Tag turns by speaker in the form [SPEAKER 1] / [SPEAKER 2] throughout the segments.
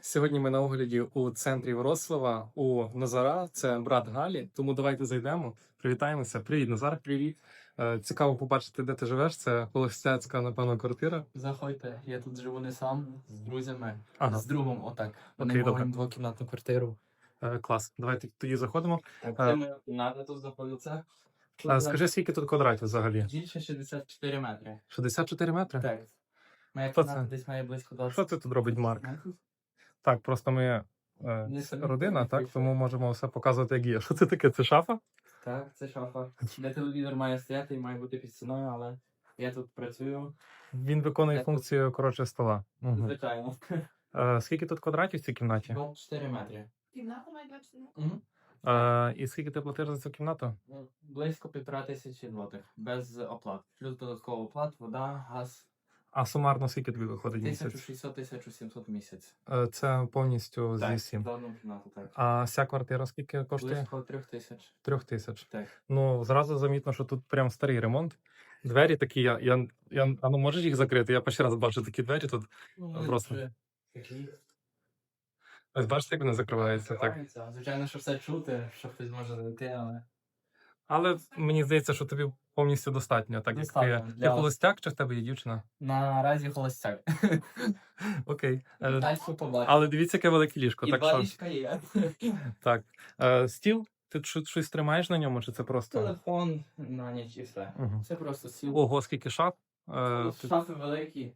[SPEAKER 1] Сьогодні ми на огляді у центрі Вроцлава у Назара. Це брат Галі. Тому давайте зайдемо, привітаємося. Привіт, Назар. Привіт. Цікаво побачити, де ти живеш. Це холостяцька, напевно, квартира.
[SPEAKER 2] Заходьте, я тут живу не сам, з друзями,
[SPEAKER 1] Ага.
[SPEAKER 2] з другом, отак. Вони
[SPEAKER 1] Окей, добре.
[SPEAKER 2] мають двокімнатну квартиру.
[SPEAKER 1] Клас. Давайте тоді заходимо.
[SPEAKER 2] Так, це моя кімната тут знаходиться.
[SPEAKER 1] Скажи, скільки тут квадратів взагалі?
[SPEAKER 2] Більше 64 метри.
[SPEAKER 1] 64 метри?
[SPEAKER 2] Так. Моя
[SPEAKER 1] Що
[SPEAKER 2] кімната
[SPEAKER 1] це?
[SPEAKER 2] десь має близько 20
[SPEAKER 1] Що це тут робить Марк?
[SPEAKER 2] метрів.
[SPEAKER 1] Так, просто ми
[SPEAKER 2] Не самі
[SPEAKER 1] родина, так?
[SPEAKER 2] прийшли.
[SPEAKER 1] Тому можемо все показувати, як є. Що це таке? Це шафа?
[SPEAKER 2] Так, це шафа. Де телевізор має стояти і має бути під стіною, але я тут працюю,
[SPEAKER 1] Він виконує
[SPEAKER 2] Це-
[SPEAKER 1] функцію, коротше, стола. Угу.
[SPEAKER 2] звичайно.
[SPEAKER 1] Скільки тут квадратів в цій кімнаті?
[SPEAKER 2] 24 метри.
[SPEAKER 3] Кімната має 20 минут.
[SPEAKER 2] Угу.
[SPEAKER 1] І скільки ти платиш за цю кімнату?
[SPEAKER 2] Близько 1500 злотих, без оплат. Плюс додатково оплат, вода, газ.
[SPEAKER 1] А сумарно скільки тобі виходить в місяць?
[SPEAKER 2] 1600-1700 в місяць.
[SPEAKER 1] Це повністю
[SPEAKER 2] Так,
[SPEAKER 1] зі всім.
[SPEAKER 2] за одну кімнату, так.
[SPEAKER 1] А вся квартира скільки коштує?
[SPEAKER 2] Близько 3000.
[SPEAKER 1] 3000.
[SPEAKER 2] Так.
[SPEAKER 1] Ну, зразу замітно, що тут прям старий ремонт. Двері такі, а ну можеш їх закрити? Я перший раз бачу такі двері тут. Просто.
[SPEAKER 2] Такі.
[SPEAKER 1] Ось бачите, як вони закриваються. Так.
[SPEAKER 2] Відкриваються. Звичайно, що все чути, що хтось може зайти, але...
[SPEAKER 1] Але мені здається, що тобі повністю достатньо. Так,
[SPEAKER 2] Достатньо
[SPEAKER 1] як ти
[SPEAKER 2] для-
[SPEAKER 1] холостяк чи в тебе є дівчина?
[SPEAKER 2] Наразі холостяк.
[SPEAKER 1] Окей.
[SPEAKER 2] Далі побачимо.
[SPEAKER 1] Але дивіться, яке велике ліжко.
[SPEAKER 2] І
[SPEAKER 1] Так
[SPEAKER 2] два
[SPEAKER 1] що,
[SPEAKER 2] ліжка є.
[SPEAKER 1] так. Стіл? Ти щось тримаєш на ньому, чи це просто.
[SPEAKER 2] Телефон на ніч і все.
[SPEAKER 1] Угу.
[SPEAKER 2] Це просто стіл.
[SPEAKER 1] Ого, скільки шаф.
[SPEAKER 2] Шафи великі.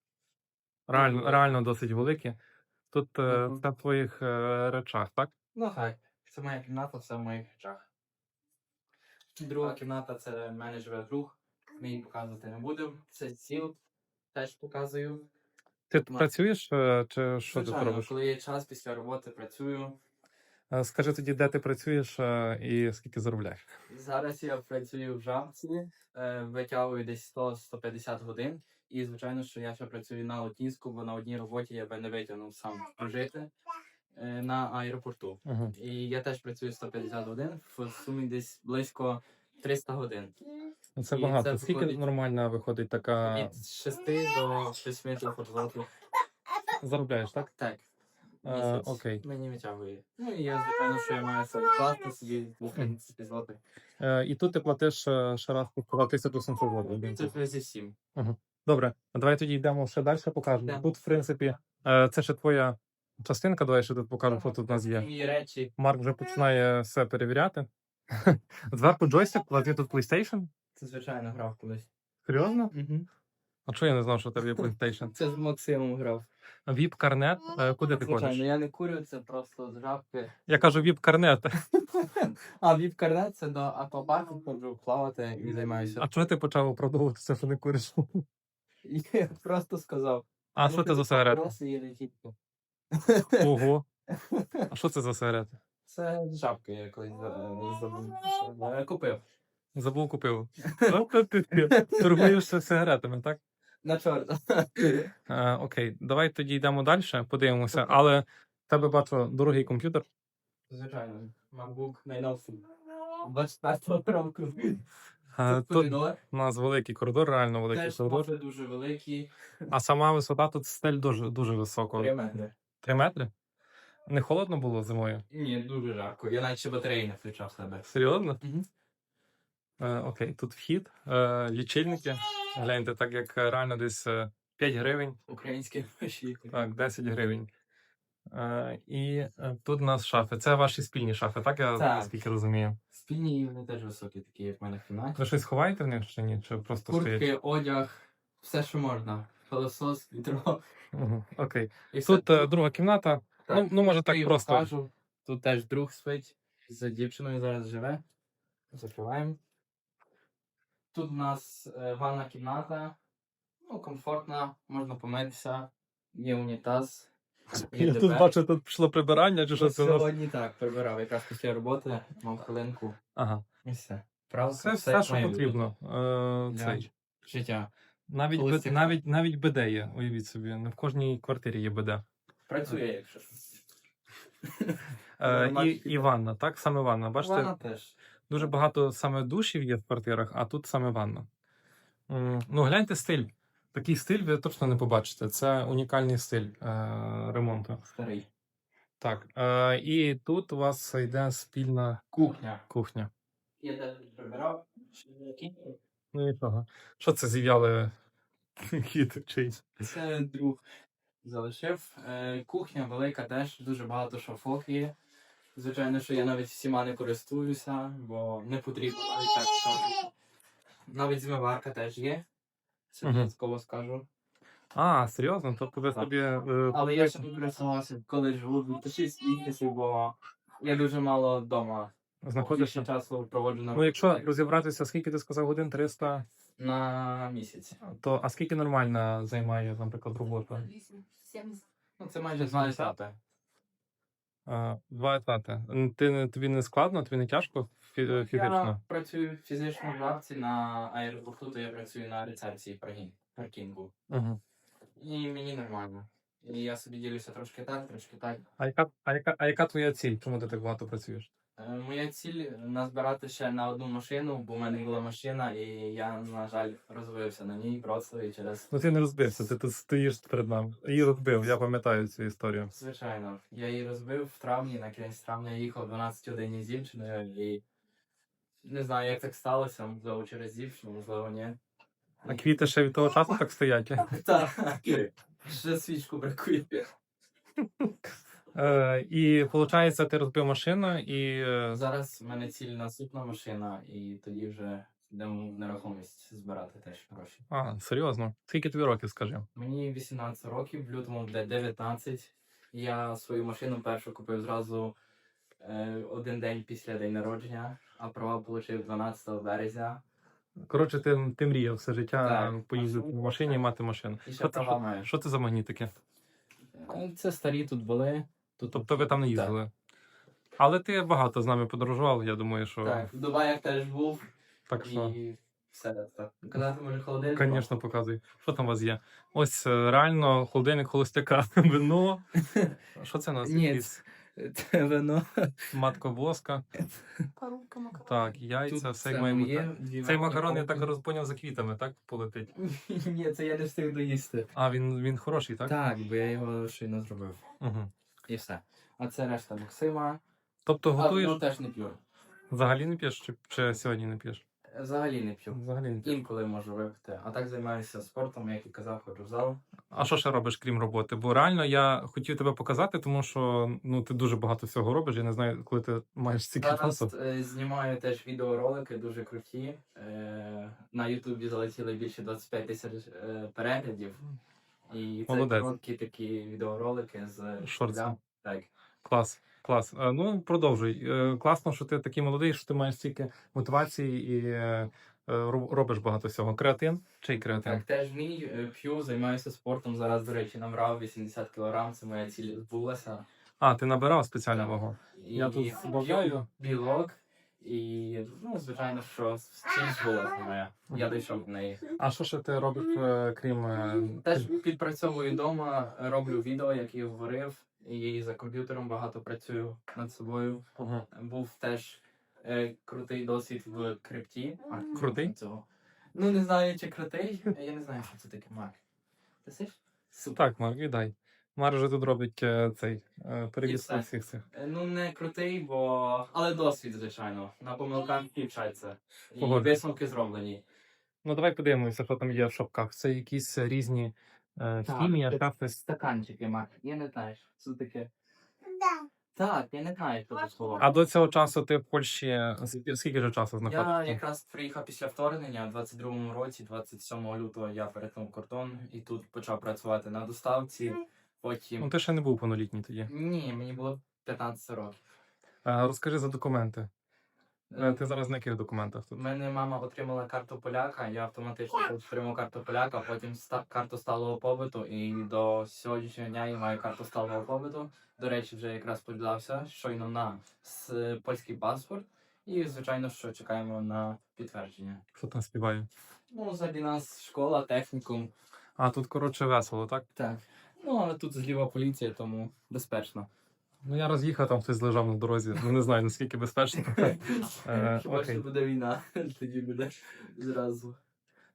[SPEAKER 1] Реально досить великі. Тут
[SPEAKER 2] Мгм.
[SPEAKER 1] все в твоїх речах, так?
[SPEAKER 2] Ну так. Це моя кімната, все в моїх речах. Друга кімната це в мене живе друг. Ми її показувати не будемо. Це стіл. Теж показую.
[SPEAKER 1] Ти
[SPEAKER 2] Ма-
[SPEAKER 1] працюєш чи що ти
[SPEAKER 2] Звичайно,
[SPEAKER 1] робиш?
[SPEAKER 2] коли є час після роботи, працюю.
[SPEAKER 1] Скажи тоді, де ти працюєш і скільки заробляєш?
[SPEAKER 2] Зараз я працюю в Жамці, витягую десь 100-150 годин. І, звичайно, що я ще працюю на Латінську, бо на одній роботі я би не витягнув сам прожити на аеропорту.
[SPEAKER 1] Угу.
[SPEAKER 2] І я теж працюю 150 годин, в сумі десь близько 300 годин.
[SPEAKER 1] Це
[SPEAKER 2] І
[SPEAKER 1] багато.
[SPEAKER 2] це
[SPEAKER 1] Скільки
[SPEAKER 2] виходить-
[SPEAKER 1] нормально виходить така.
[SPEAKER 2] Від 6 до 8 злотих.
[SPEAKER 1] Заробляєш, так?
[SPEAKER 2] Так. Місяць
[SPEAKER 1] Окей.
[SPEAKER 2] мені витягує. Ну і я, звичайно, що я маю собі класти собі 250 злотих.
[SPEAKER 1] І тут ти платиш ще раз сказав 1700 злотих.
[SPEAKER 2] Це зі всім.
[SPEAKER 1] Добре, давай тоді йдемо ще далі, покажемо.
[SPEAKER 2] Да.
[SPEAKER 1] Тут, в принципі, це ще твоя частинка, давай ще тут покажемо, що тут у нас є.
[SPEAKER 2] Мої речі.
[SPEAKER 1] Марк вже починає все перевіряти. Зверху джойстик, а ти тут PlayStation?
[SPEAKER 2] Це, звичайно, грав колись.
[SPEAKER 1] Серйозно?
[SPEAKER 2] Угу.
[SPEAKER 1] А чого я не знав, що у тебе є PlayStation?
[SPEAKER 2] Це з Максимом грав.
[SPEAKER 1] Віп-карнет. Куди ти
[SPEAKER 2] Звичайно,
[SPEAKER 1] ходиш?
[SPEAKER 2] я не курю, це просто з жабки.
[SPEAKER 1] Я кажу віп-карнет.
[SPEAKER 2] А віп-карнет це до аквапарку ходжу плавати і займаюся.
[SPEAKER 1] А чого ти почав оправдовуватися, що не куриш?
[SPEAKER 2] Я просто сказав.
[SPEAKER 1] А що це за сигарети?
[SPEAKER 2] Просто є не тільки.
[SPEAKER 1] Ого. А що це за сигарети?
[SPEAKER 2] Це з жабки я колись купив.
[SPEAKER 1] Забув купив. От ти торгуєш сигаретами, так?
[SPEAKER 2] На чорта.
[SPEAKER 1] Окей, давай тоді йдемо далі, подивимося. Але в тебе бачу дорогий комп'ютер.
[SPEAKER 2] Звичайно. MacBook найновший. 24 року.
[SPEAKER 1] Тут
[SPEAKER 2] Коридор.
[SPEAKER 1] у нас великий коридор, реально великий
[SPEAKER 2] Теж
[SPEAKER 1] коридор.
[SPEAKER 2] може дуже великий.
[SPEAKER 1] А сама висота тут стель дуже, дуже високо.
[SPEAKER 2] 3 метри.
[SPEAKER 1] 3 метри? Не холодно було зимою?
[SPEAKER 2] Ні, дуже жарко. Я навіть ще батареї не включав в себе.
[SPEAKER 1] Серйозно?
[SPEAKER 2] Угу.
[SPEAKER 1] Окей, тут вхід, лічильники. Гляньте, так як реально десь 5 гривень,
[SPEAKER 2] Українські гроші.
[SPEAKER 1] так, 10 гривень. І тут у нас шафи. Це ваші спільні шафи, так? Я
[SPEAKER 2] Так.
[SPEAKER 1] наскільки розумію.
[SPEAKER 2] Спільні і вони теж високі, такі, як в мене в кімнаті.
[SPEAKER 1] Ви щось ховаєте в них чи ні? Чи просто стоять?
[SPEAKER 2] Куртки, одяг, все, що можна. Пилосос, відро.
[SPEAKER 1] Окей.
[SPEAKER 2] І все.
[SPEAKER 1] Тут друга кімната.
[SPEAKER 2] Так,
[SPEAKER 1] Ну, може так
[SPEAKER 2] я
[SPEAKER 1] просто.
[SPEAKER 2] покажу. Тут теж друг спить. За дівчиною зараз живе. Закриваємо. Тут у нас ванна кімната. Ну, комфортна, можна помитися. Є унітаз. Є
[SPEAKER 1] Я
[SPEAKER 2] ДБ.
[SPEAKER 1] тут бачу, тут пішло прибирання, чи що це у нас?
[SPEAKER 2] Сьогодні так, прибирав. Якраз після роботи мав хвилинку.
[SPEAKER 1] Ага.
[SPEAKER 2] І все. Правда,
[SPEAKER 1] Це все, що
[SPEAKER 2] має
[SPEAKER 1] потрібно.
[SPEAKER 2] бути для
[SPEAKER 1] Цей.
[SPEAKER 2] життя.
[SPEAKER 1] Навіть,
[SPEAKER 2] Колись
[SPEAKER 1] навіть БД є, уявіть собі. Не в кожній квартирі є БД.
[SPEAKER 2] Працює, якщо що.
[SPEAKER 1] І ванна, так? Саме ванна. Бачите,
[SPEAKER 2] Вона теж.
[SPEAKER 1] дуже багато саме душів є в квартирах, а тут саме ванна. Ну, гляньте стиль. Такий стиль ви точно не побачите. Це унікальний стиль ремонту.
[SPEAKER 2] Старий.
[SPEAKER 1] Так, і тут у вас йде спільна
[SPEAKER 2] Кухня.
[SPEAKER 1] кухня.
[SPEAKER 2] Я теж прибирав.
[SPEAKER 1] Ну нічого. Що це зів'яли кіт чийсь?
[SPEAKER 2] Це друг залишив. Кухня велика теж, дуже багато шафок є. Звичайно, що я навіть всіма не користуюся, бо не потрібно навіть так скажу. Навіть змиварка теж є. Це
[SPEAKER 1] Мгм.
[SPEAKER 2] додатково скажу.
[SPEAKER 1] А, серйозно? Тобто ви
[SPEAKER 2] Так.
[SPEAKER 1] собі.
[SPEAKER 2] Але я ще не користувався, коли живу 2006 місяців, бо я дуже мало вдома.
[SPEAKER 1] знаходишся.
[SPEAKER 2] Більше часу проводжу на
[SPEAKER 1] Ну, якщо розібратися, скільки ти сказав годин? 300,
[SPEAKER 2] на місяць.
[SPEAKER 1] то а скільки нормально займає, наприклад, робота?
[SPEAKER 3] 70.
[SPEAKER 2] Ну, це майже 2 етапи.
[SPEAKER 1] 2 етати. Тобі не складно, тобі не тяжко
[SPEAKER 2] Я
[SPEAKER 1] фізично?
[SPEAKER 2] працюю фізично в лавці на аеропорту, то я працюю на рецепції паркінгу.
[SPEAKER 1] Угу.
[SPEAKER 2] І мені нормально. І я собі ділюся трошки так, трошки так.
[SPEAKER 1] А яка твоя ціль? Чому ти так багато працюєш?
[SPEAKER 2] Моя ціль назбирати ще на одну машину, бо в мене була машина, і я, на жаль, розвився на ній просто і через.
[SPEAKER 1] Ну ти не розбився, ти тут стоїш перед нами. Її розбив, я пам'ятаю цю історію.
[SPEAKER 2] Звичайно, я її розбив в травні, на кінець травня я їхав 12 годин з дівчиною, і не знаю, як так сталося, можливо, через дівчину, можливо, ні.
[SPEAKER 1] А квіти ще від того часу так стоять?
[SPEAKER 2] Так, ще свічку бракує.
[SPEAKER 1] І виходить, ти розбив машину і.
[SPEAKER 2] Зараз в мене ціль наступна машина, і тоді вже йдемо в нерухомість збирати теж гроші.
[SPEAKER 1] А, серйозно? Скільки тобі років, скажи?
[SPEAKER 2] Мені 18 років, в лютому буде 19. Я свою машину першу купив зразу один день після день народження, а права отримав 12 березня.
[SPEAKER 1] Коротше, ти мріяв все життя
[SPEAKER 2] Так.
[SPEAKER 1] поїздити в машині і мати машину.
[SPEAKER 2] І ще права маю.
[SPEAKER 1] Що це за магнітики?
[SPEAKER 2] Це старі тут були. Тут,
[SPEAKER 1] Тобто ви там не їздили? Але ти багато з нами подорожував, я думаю, що.
[SPEAKER 2] Так, в Дубаях теж був.
[SPEAKER 1] Так що.
[SPEAKER 2] І все так. Казати може холодильник?
[SPEAKER 1] Звісно, показуй. Що там у вас є? Ось реально холодильник холостяка, вино. Що це у нас?
[SPEAKER 2] Ні,
[SPEAKER 1] Якісь
[SPEAKER 2] це вино.
[SPEAKER 1] матка воска.
[SPEAKER 3] Парубка макарон.
[SPEAKER 1] Так, яйця,
[SPEAKER 2] Тут
[SPEAKER 1] все як має бути.
[SPEAKER 2] є, дві
[SPEAKER 1] Цей
[SPEAKER 2] варені
[SPEAKER 1] макарон, я
[SPEAKER 2] кофти.
[SPEAKER 1] так розпоняв, за квітами, так? Полетить.
[SPEAKER 2] Ні, це я не встиг доїсти.
[SPEAKER 1] А, він хороший, так?
[SPEAKER 2] Так, бо я його щойно зробив.
[SPEAKER 1] Угу.
[SPEAKER 2] І все. А це решта Максима.
[SPEAKER 1] Тобто
[SPEAKER 2] А
[SPEAKER 1] готуєш,
[SPEAKER 2] вино теж не п'ю.
[SPEAKER 1] взагалі не п'єш, чи сьогодні не п'єш?
[SPEAKER 2] Взагалі не п'ю.
[SPEAKER 1] Взагалі не п'єш.
[SPEAKER 2] Інколи можу випити. А так займаюся спортом, як і казав, ходжу в зал.
[SPEAKER 1] А що ще робиш, крім роботи? Бо реально я хотів тебе показати, тому що ну, ти дуже багато всього робиш. Я не знаю, коли ти маєш стільки
[SPEAKER 2] Зараз
[SPEAKER 1] часу.
[SPEAKER 2] знімаю теж відеоролики дуже круті. На Ютубі залетіли більше 25 тисяч переглядів. І це
[SPEAKER 1] Молодець.
[SPEAKER 2] короткі такі відеоролики з
[SPEAKER 1] Шорти.
[SPEAKER 2] Так.
[SPEAKER 1] Клас, клас. Ну, продовжуй. Класно, що ти такий молодий, що ти маєш стільки мотивації і робиш багато всього. Креатин? Чий креатин?
[SPEAKER 2] Так, теж мій п'ю, займаюся спортом. Зараз, до речі, набрав 80 кг, це моя ціль збулася.
[SPEAKER 1] А, ти набирав спеціальну
[SPEAKER 2] Так.
[SPEAKER 1] вагу.
[SPEAKER 2] І
[SPEAKER 1] Я тут збавляю.
[SPEAKER 2] п'ю білок. І, ну, звичайно, що ціль збулася моя. Я дійшов до неї.
[SPEAKER 1] А що ще ти робиш, крім.
[SPEAKER 2] Теж підпрацьовую вдома, роблю відео, як я говорив, і за комп'ютером багато працюю над собою.
[SPEAKER 1] Ага.
[SPEAKER 2] Був теж крутий досвід в крипті.
[SPEAKER 1] Крутий?
[SPEAKER 2] Цього. Ну, не знаю, чи крутий. Я не знаю, що це таке Мак. Ти сиш? Супер.
[SPEAKER 1] Так, Марк, віддай. Марк вже тут робить цей перевіз
[SPEAKER 2] все.
[SPEAKER 1] всіх цих.
[SPEAKER 2] Ну, не крутий, але досвід, звичайно. На помилках вчаться. І
[SPEAKER 1] Погоджуюсь.
[SPEAKER 2] висновки зроблені.
[SPEAKER 1] Ну, давай подивимося, що там є в шопках. Це якісь різні хімія,
[SPEAKER 2] це
[SPEAKER 1] шафи.
[SPEAKER 2] стаканчики, Мак. Я не знаю, що це таке.
[SPEAKER 3] Да.
[SPEAKER 2] Так, я не знаю, що це слово.
[SPEAKER 1] А до цього часу ти в Польщі скільки ж часу
[SPEAKER 2] Я
[SPEAKER 1] знаходишся?
[SPEAKER 2] якраз приїхав після вторгнення, у 22-му році, 27 лютого я перетнув кордон і тут почав працювати на доставці.
[SPEAKER 1] Ну,
[SPEAKER 2] Потім.
[SPEAKER 1] ти ще не був повнолітній тоді.
[SPEAKER 2] Ні, мені було 15 років.
[SPEAKER 1] Розкажи за документи. Ти зараз на яких документах
[SPEAKER 2] У
[SPEAKER 1] тут?
[SPEAKER 2] мене мама отримала карту поляка, я автоматично отримав карту поляка, потім карту сталого побиту, і до сьогоднішнього дня я маю карту сталого побиту. До речі, вже якраз подався щойно на польський паспорт. І, звичайно, що чекаємо на підтвердження.
[SPEAKER 1] Що там співає?
[SPEAKER 2] Ну, взагалі нас школа, технікум.
[SPEAKER 1] А, тут, коротше, весело, так?
[SPEAKER 2] Так. Ну, але тут зліва поліція, тому безпечно.
[SPEAKER 1] Ну, я роз'їхав, там хтось лежав на дорозі. Ну, не знаю, наскільки безпечно.
[SPEAKER 2] Хіба
[SPEAKER 1] Окей.
[SPEAKER 2] що буде війна, тоді буде зразу.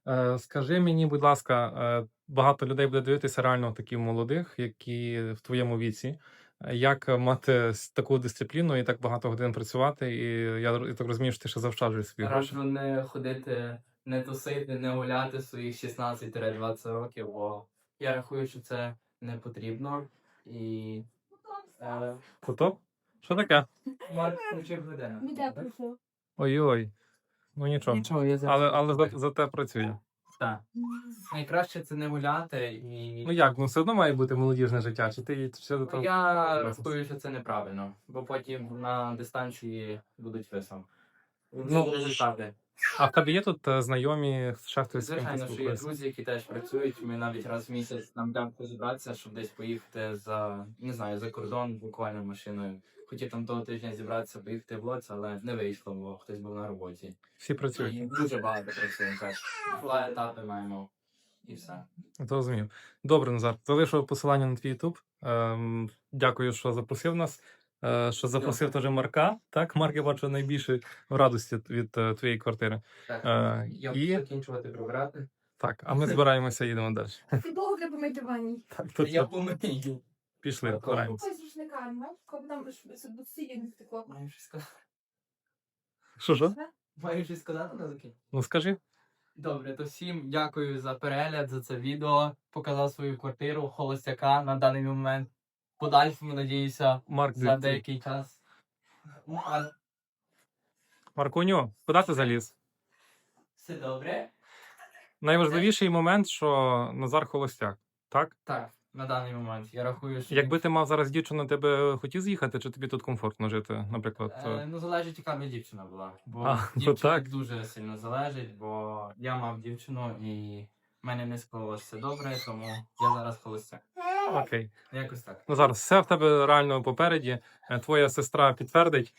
[SPEAKER 1] Скажи мені, будь ласка, багато людей буде дивитися реально таких молодих, які в твоєму віці. Як мати таку дисципліну і так багато годин працювати? І я так розумію, що ти ще завчаджуєш свої гроші.
[SPEAKER 2] Раджу не ходити, не тусити, не гуляти своїх 16-20 років, бо я рахую, що це не потрібно. І
[SPEAKER 1] Потоп? Що таке?
[SPEAKER 2] Марк включив годину.
[SPEAKER 3] Іде прийшов.
[SPEAKER 1] Ой-ой. Ну нічого.
[SPEAKER 2] Нічого, я зараз.
[SPEAKER 1] Але за те працює.
[SPEAKER 2] Так. Найкраще це не гуляти і.
[SPEAKER 1] Ну як, ну все одно має бути молодіжне життя, чи ти все до того?
[SPEAKER 2] Я рахую, що це неправильно, бо потім на дистанції будуть висом.
[SPEAKER 1] Ну,
[SPEAKER 2] результати.
[SPEAKER 1] А в тебе є тут знайомі, ще хтось з ким ти
[SPEAKER 2] Звичайно, що є
[SPEAKER 1] спілкуєшся?
[SPEAKER 2] друзі, які теж працюють. Ми навіть раз в місяць нам дам позібратися, щоб десь поїхати за, не знаю, за кордон буквально машиною. Хотів там того тижня зібратися, поїхати в Лоць, але не вийшло, бо хтось був на роботі.
[SPEAKER 1] Всі працюють.
[SPEAKER 2] І дуже багато працюємо теж. Два етапи маємо. І все.
[SPEAKER 1] Зрозумів. Добре, Назар. Залишу посилання на твій YouTube. Дякую, що запросив нас. Що запросив теж Марка. Так, Марк, я бачу найбільше в радості від твоєї квартири.
[SPEAKER 2] Так, я
[SPEAKER 1] і-
[SPEAKER 2] буду закінчувати прибирати.
[SPEAKER 1] Так, а ми збираємося, їдемо далі.
[SPEAKER 3] Футбол для помити ванні.
[SPEAKER 1] Так, тут
[SPEAKER 2] Я помию.
[SPEAKER 1] пішли, збираємося.
[SPEAKER 3] Ось з рушниками, бачиш, коли там до сіє не стекло.
[SPEAKER 2] Маю щось сказати.
[SPEAKER 1] Що?
[SPEAKER 2] Маю щось сказати на закінчення?
[SPEAKER 1] Ну скажи.
[SPEAKER 2] Добре, то всім дякую за перегляд, за це відео. Показав свою квартиру холостяка на даний момент. Подальшому, надіюся,
[SPEAKER 1] Марк,
[SPEAKER 2] за деякий час.
[SPEAKER 1] Маркуню, куди ти заліз?
[SPEAKER 2] Все добре?
[SPEAKER 1] Найважливіший момент, що Назар холостяк. Так?
[SPEAKER 2] Так, на даний момент. Я рахую, що.
[SPEAKER 1] Якби ти мав зараз дівчину, ти би хотів з'їхати, чи тобі тут комфортно жити, наприклад?
[SPEAKER 2] Ну, залежить, яка б дівчина була. Бо
[SPEAKER 1] А, ну
[SPEAKER 2] дівчина
[SPEAKER 1] так.
[SPEAKER 2] дуже сильно залежить, бо я мав дівчину і в мене не склалося все добре, тому я зараз холостяк.
[SPEAKER 1] Окей.
[SPEAKER 2] Якось так.
[SPEAKER 1] Ну зараз все в тебе реально попереді. Твоя сестра підтвердить.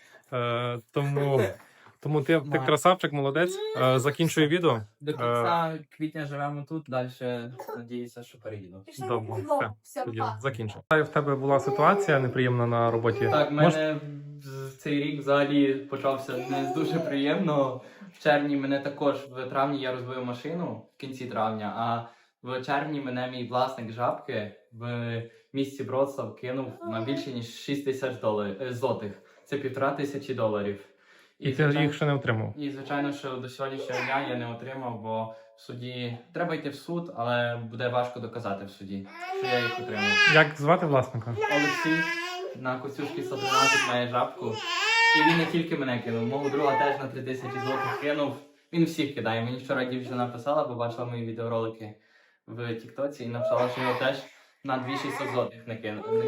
[SPEAKER 1] Тому ти
[SPEAKER 2] Марк.
[SPEAKER 1] красавчик, молодець. Закінчую відео.
[SPEAKER 2] До кінця квітня живемо тут, далі надіюся, що переїду.
[SPEAKER 3] Пішли
[SPEAKER 1] Добре,
[SPEAKER 3] на футбол.
[SPEAKER 1] все,
[SPEAKER 3] Все,
[SPEAKER 1] Тоді
[SPEAKER 3] па.
[SPEAKER 1] закінчу. В тебе була ситуація неприємна на роботі.
[SPEAKER 2] Так, в мене цей рік взагалі почався не з дуже приємно. В червні мене також, в травні я розбив машину в кінці травня, а в червні мене мій власник жабки в місті Вроцлав кинув на більше ніж 6 тисяч злотих. Це $1500.
[SPEAKER 1] І ти їх ще не отримав.
[SPEAKER 2] І звичайно, що до сьогоднішнього дня я не отримав, бо в суді треба йти в суд, але буде важко доказати в суді, що я їх отримав.
[SPEAKER 1] Як звати власника?
[SPEAKER 2] Олексій на Костюшки 113 має жабку. І він не тільки мене кинув, мого друга теж на 3000 злотих кинув. Він всіх кидає. Мені вчора дівчина написала, бо бачила мої відеоролики в Тіктоці і написала, що його теж на 2600 злотих не кинув.
[SPEAKER 3] Ми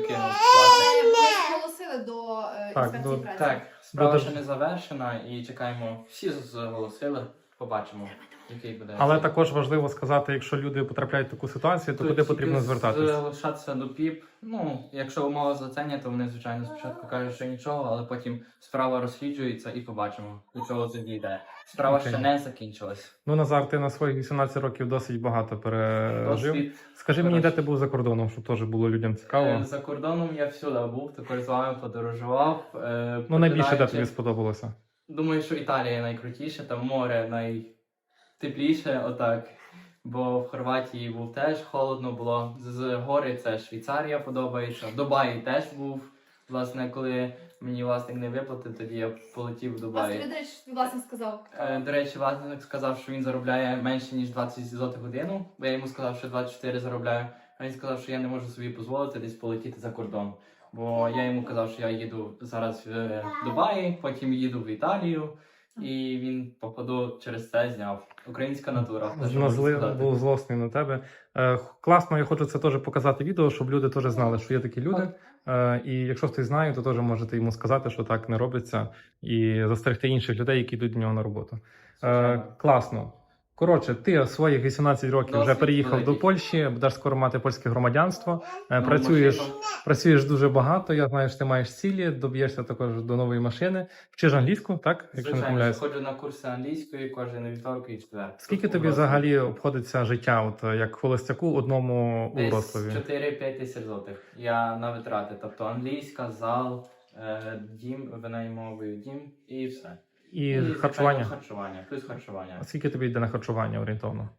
[SPEAKER 3] зголосили до
[SPEAKER 1] Так,
[SPEAKER 3] інспекції
[SPEAKER 1] до-
[SPEAKER 3] праці.
[SPEAKER 2] Так, справа
[SPEAKER 1] Дуже-
[SPEAKER 2] ще не завершена і чекаємо. Всі зголосили, побачимо, який буде.
[SPEAKER 1] Але також важливо сказати, якщо люди потрапляють в таку ситуацію, то
[SPEAKER 2] Тут
[SPEAKER 1] куди
[SPEAKER 2] тільки
[SPEAKER 1] потрібно звертатися?
[SPEAKER 2] Залишатися до ПІП. Ну, якщо умови злицення, то вони, звичайно, спочатку кажуть, що нічого, але потім справа розслідується і побачимо, до чого це дійде. Справа
[SPEAKER 1] Окей.
[SPEAKER 2] ще не закінчилась.
[SPEAKER 1] Ну, Назар, ти на своїх 18 років досить багато пережив.
[SPEAKER 2] Досвід.
[SPEAKER 1] Скажи мені, де
[SPEAKER 2] Хорошо.
[SPEAKER 1] ти був за кордоном, щоб теж було людям цікаво.
[SPEAKER 2] За кордоном я всюди був, також з вами подорожував.
[SPEAKER 1] Ну, найбільше де
[SPEAKER 2] починаючи-
[SPEAKER 1] тобі сподобалося?
[SPEAKER 2] Думаю, що Італія найкрутіше, там море найтепліше, отак. Бо в Хорватії був теж холодно було. З гори це Швейцарія подобається. В Дубаї теж був. Власне, коли мені власник не виплатив, тоді я полетів в
[SPEAKER 3] Вас
[SPEAKER 2] Дубай.
[SPEAKER 3] Федорич твій власник сказав.
[SPEAKER 2] До речі, власник сказав, що він заробляє менше, ніж 20 злотих годину, бо я йому сказав, що 24 заробляю. А він сказав, що я не можу собі дозволити десь полетіти за кордон. Бо я йому казав, що я їду зараз в Дубаї, потім їду в Італію, і він, походу, через це зняв. Українська натура. те, що можу сказати.
[SPEAKER 1] Був злосний на тебе. Класно, я хочу це теж показати відео, щоб люди теж знали, що є такі люди. І якщо хтось знає, то теж можете йому сказати, що так не робиться, і застерегти інших людей, які йдуть до нього на роботу.
[SPEAKER 2] Звичайно.
[SPEAKER 1] Класно. Коротше, ти в своїх 18 років вже
[SPEAKER 2] Досвід
[SPEAKER 1] переїхав
[SPEAKER 2] великий.
[SPEAKER 1] до Польщі, будеш скоро мати польське громадянство.
[SPEAKER 2] Ну,
[SPEAKER 1] Працюєш,
[SPEAKER 2] машину.
[SPEAKER 1] працюєш дуже багато. Я знаю, що ти маєш цілі, доб'єшся також до нової машини. Вчиш англійську, так? Якщо не
[SPEAKER 2] Звичайно,
[SPEAKER 1] помиляюсь.
[SPEAKER 2] ходжу на курси англійської кожен вівторок і четвер.
[SPEAKER 1] Скільки тобі взагалі обходиться життя, от як холостяку одному у
[SPEAKER 2] Десь
[SPEAKER 1] Вроцлаві?
[SPEAKER 2] 4-5 тисяч злотих. Я на витрати. Тобто англійська, зал, дім, винаймовую дім і все.
[SPEAKER 1] І
[SPEAKER 2] звичайно,
[SPEAKER 1] харчування?
[SPEAKER 2] Харчування, плюс харчування.
[SPEAKER 1] А скільки тобі йде на харчування орієнтовно?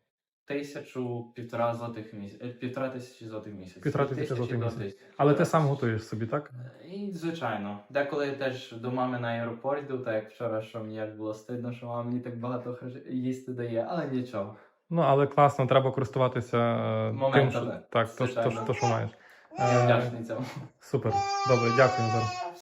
[SPEAKER 2] 1,5 злотих в місяць. 1,5 злотих в місяць.
[SPEAKER 1] 1,5
[SPEAKER 2] Від
[SPEAKER 1] злотих в
[SPEAKER 2] 1000 до
[SPEAKER 1] місяць.
[SPEAKER 2] 1000.
[SPEAKER 1] Але ти сам готуєш собі, так?
[SPEAKER 2] І, звичайно. Деколи теж до мами на аеропорт йду, так як вчора, що мені як було стидно, що мама мені так багато їсти дає, але нічого.
[SPEAKER 1] Ну, але класно, треба користуватися тим,
[SPEAKER 2] Моментами,
[SPEAKER 1] що, так, то,
[SPEAKER 2] звичайно.
[SPEAKER 1] що маєш.
[SPEAKER 2] Я вдячний цьому.
[SPEAKER 1] Супер. Добре, дякую, Назар.